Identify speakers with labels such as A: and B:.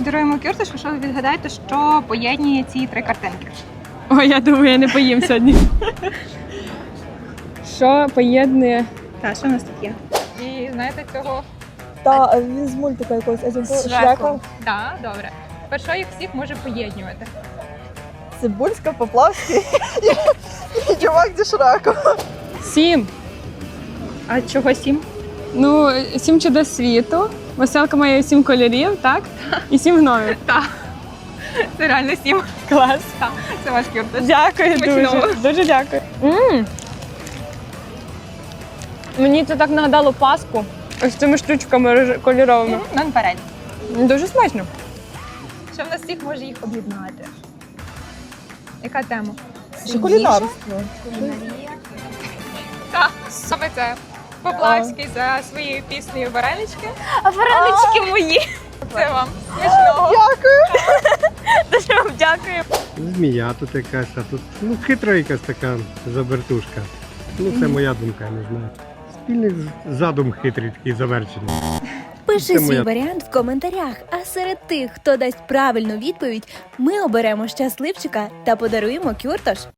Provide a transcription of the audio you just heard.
A: подаруємо Кюртошу, якщо ви відгадаєте, що поєднує ці 3 картинки.
B: Ой, я думаю, я не поїм сьогодні. Що поєднує?
A: Так, що в нас тут є? І знаєте цього?
C: Та він з мультика якогось
A: З
C: Шрека.
A: Так, добре. Тепер що їх всіх може поєднувати?
C: Цибульська, Поплавський і чувак зі Шреком.
B: 7.
A: А чого 7?
B: Ну, 7 чудес світу. Веселка має 7 кольорів, так? І 7 гномів.
A: Так. Це реально 7.
B: Клас.
A: Так, це ваш Кюртош.
B: Дякую
A: Смачного.
B: дуже. Дуже дякую. Мені це так нагадало Пасху. Ось цими штучками кольоровими.
A: Нон-перель.
B: Дуже смачно.
A: Що в нас всіх може їх об'єднати? Яка тема?
C: Що кулінарство.
A: Так, саме це. Поплавський за своєю піснею «Варенички», а варенички мої. Це вам. Смачного.
C: Дякую.
B: Дуже вам дякую.
D: Змія тут якась, а тут хитра якась така забертушка. Це моя думка, я не знаю. Спільний задум хитрий такий завершений.
E: Пиши
D: Це
E: свій
D: моя.
E: варіант в коментарях, а серед тих, хто дасть правильну відповідь, ми оберемо щасливчика та подаруємо Кюртош.